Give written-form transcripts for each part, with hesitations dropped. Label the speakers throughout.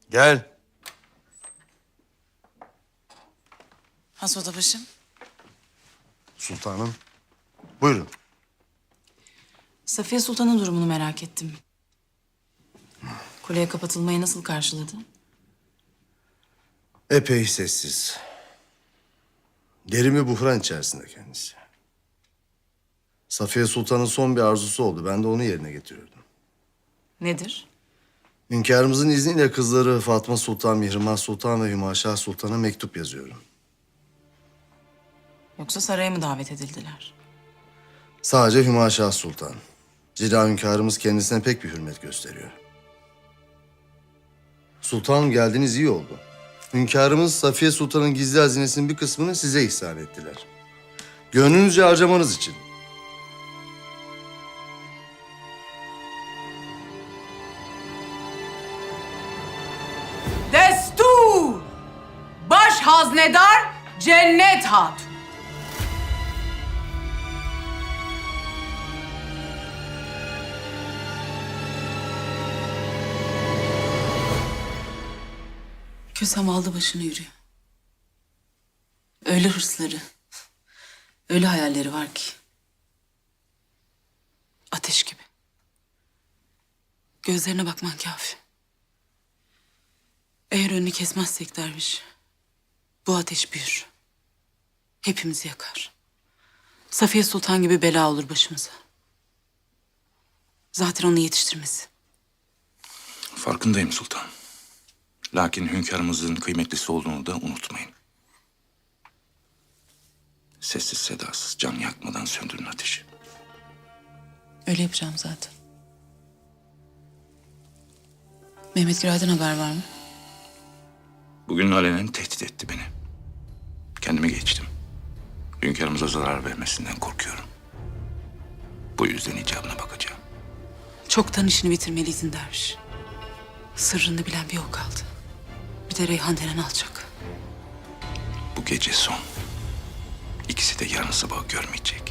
Speaker 1: Gel.
Speaker 2: Has odabaşım.
Speaker 1: Sultanım. Buyurun.
Speaker 2: Safiye Sultan'ın durumunu merak ettim. Kuleye kapatılmayı nasıl karşıladı?
Speaker 1: Epey sessiz. Derin bir buhran içerisinde kendisi. Safiye Sultan'ın son bir arzusu oldu. Ben de onu yerine getiriyordum.
Speaker 2: Nedir?
Speaker 1: Hünkârımızın izniyle kızları Fatma Sultan, Mihrimah Sultan ve Hümaşah Sultan'a mektup yazıyorum.
Speaker 2: Yoksa saraya mı davet edildiler?
Speaker 1: Sadece Hümaşah Sultan. Zira hünkârımız kendisine pek bir hürmet gösteriyor. Sultanım geldiğiniz iyi oldu. Hünkârımız Safiye Sultan'ın gizli hazinesinin bir kısmını size ihsan ettiler. Gönlünüzce harcamanız için.
Speaker 2: Destur! Baş haznedar Cennet Hatun. Kösem aldı başını yürüyor. Öyle hırsları, öyle hayalleri var ki. Ateş gibi. Gözlerine bakman kafi. Eğer önünü kesmezsek derviş, bu ateş büyür. Hepimizi yakar. Safiye Sultan gibi bela olur başımıza. Zaten onu yetiştirmesi.
Speaker 3: Farkındayım sultan. Lakin hünkârımızın kıymetlisi olduğunu da unutmayın. Sessiz sedasız, can yakmadan söndürün ateşi.
Speaker 2: Öyle yapacağım zaten. Mehmet Giray'dan haber var mı?
Speaker 3: Bugün alenen tehdit etti beni. Kendimi geçtim. Hünkârımıza zarar vermesinden korkuyorum. Bu yüzden icabına bakacağım.
Speaker 2: Çoktan işini bitirmeliydin derviş. Sırrını bilen bir o kaldı. Bir de Reyhan denen alçak.
Speaker 3: Bu gece son. İkisi de yarın sabah görmeyecek.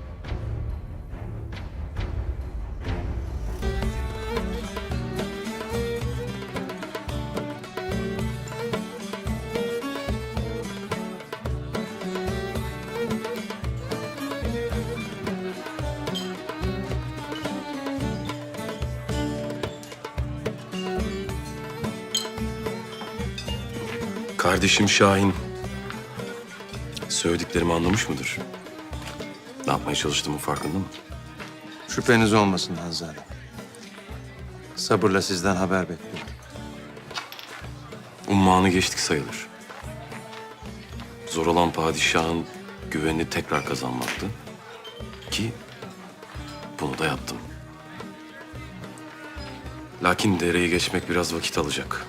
Speaker 4: Kardeşim Şahin söylediklerimi anlamış mıdır? Ne yapmaya çalıştığımın farkında mı?
Speaker 5: Şüpheniz olmasın Hanzade. Sabırla sizden haber bekliyorum.
Speaker 4: Ummanı geçtik sayılır. Zor olan padişahın güvenini tekrar kazanmaktı. Ki bunu da yaptım. Lakin dereyi geçmek biraz vakit alacak.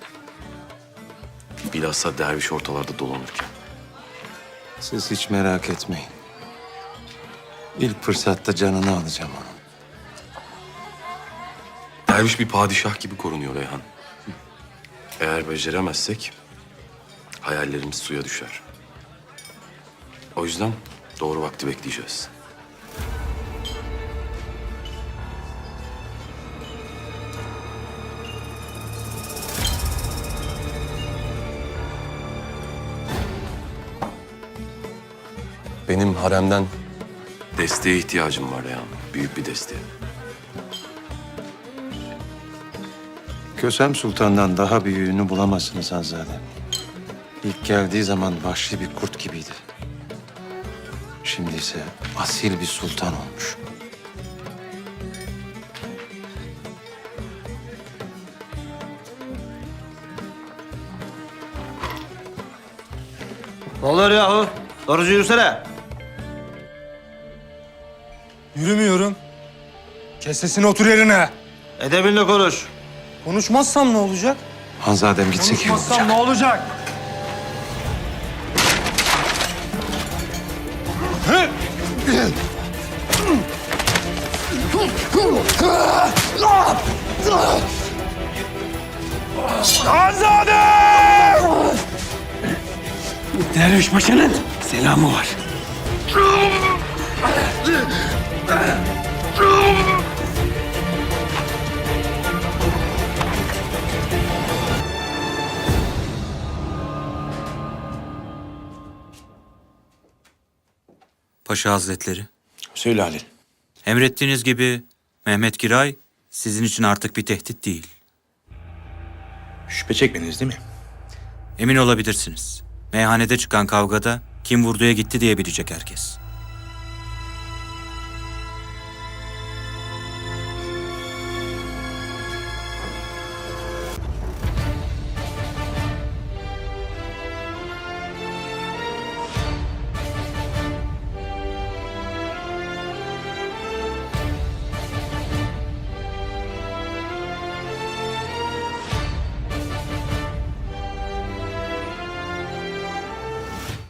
Speaker 4: Bilhassa derviş ortalarda dolanırken.
Speaker 5: Siz hiç merak etmeyin. İlk fırsatta canını alacağım onun.
Speaker 4: Derviş bir padişah gibi korunuyor Reyhan. Eğer beceremezsek hayallerimiz suya düşer. O yüzden doğru vakti bekleyeceğiz. Benim haremden desteğe ihtiyacım var Reyhan. Büyük bir desteğe.
Speaker 5: Kösem Sultan'dan daha büyüğünü bulamazsınız Hanzade. İlk geldiği zaman vahşi bir kurt gibiydi. Şimdi ise asil bir sultan olmuş.
Speaker 6: Ne oluyor yahu? Doğrucu yürüsene.
Speaker 7: Yürümüyorum. Kes sesini, otur yerine.
Speaker 6: Edebinle konuş.
Speaker 7: Konuşmazsam ne olacak?
Speaker 5: Hanzadem gitsek iyi
Speaker 7: Konuşmazsam
Speaker 5: olacak.
Speaker 7: ne olacak?
Speaker 8: Derviş Paşa'nın selamı var.
Speaker 9: Paşa Hazretleri.
Speaker 3: Söyle Halil.
Speaker 9: Emrettiğiniz gibi Mehmet Giray sizin için artık bir tehdit değil.
Speaker 3: Şüphe çekmediniz değil mi?
Speaker 9: Emin olabilirsiniz. Meyhanede çıkan kavgada kim vurduya gitti diyebilecek herkes.